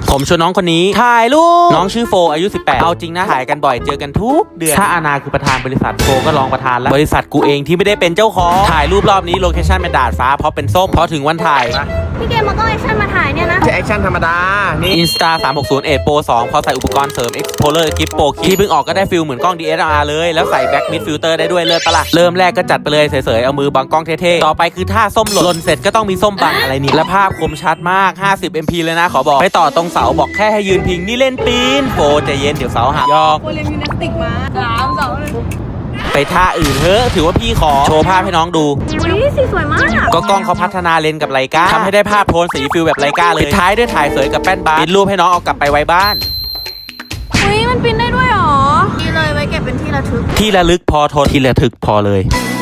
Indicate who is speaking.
Speaker 1: ผมชวนน้องคนนี้ถ่ายรูปน้องชื่อโฟอายุ18เอาจริงนะถ่ายกันบ่อยเจอกันทุกเดือนถ้าอาณาคือประธานบริษัทโฟก็รองประธานแล้วบริษัทกูเองที่ไม่ได้เป็นเจ้าของถ่ายรูปรอบนี้โลเคชั่นเป็นดาดฟ้าเพราะเป็นส้มพอถึงวันถ่าย
Speaker 2: พี่เกมมันก็แอคชั่นมาถ่ายเนี่ยนะ
Speaker 3: จะแอคชั่นธรรมดานี่
Speaker 1: Insta 360 Pro 2พอใส่อุปกรณ์เสริม Explorer Gift Pro ที่เพิ่งออกก็ได้ฟิลเหมือนกล้อง DSLR เลยแล้วใส่ Back Mid Filter ได้ด้วยเลิศปะล่ะเริ่มแรกก็จัดไปเลยเสยๆเอามือบังกล้องเท่ๆต่อไปคือท่าส้มหล่นเสร็จก็ต้องมีส้มบังอะไรนี่และภาพคมชัดมาก50 MP เลยนะขอบอกไปต่อตรงเสาบอกแค่ให้ยืนพิงนี่เล่นปีนโฟใจเย็นเดี๋ยวเสาหักยอก
Speaker 2: โคเรียนยิมนาสติกมา3 2
Speaker 1: ไปท่าอื่นเฮ้ถือว่าพี่ขอโชว์ภาพให้น้องดู
Speaker 2: 1สีสวยมาก
Speaker 1: ก็กล้องเขาพัฒนาเลนส์กับไลกาทำให้ได้ภาพโทนสีฟิลแบบไลกาเลยปิดท้ายด้วยถ่ายเสยกับแป้นบาร์ปิดรูปให้น้องเอากลับไปไว้บ้าน
Speaker 2: มันปิ้นได้ด้วยหรอนี่เลยไว้เก็บเป็นที่ระลึก
Speaker 1: ที่ระลึกพอทนที่ระทึกพอเลย
Speaker 2: น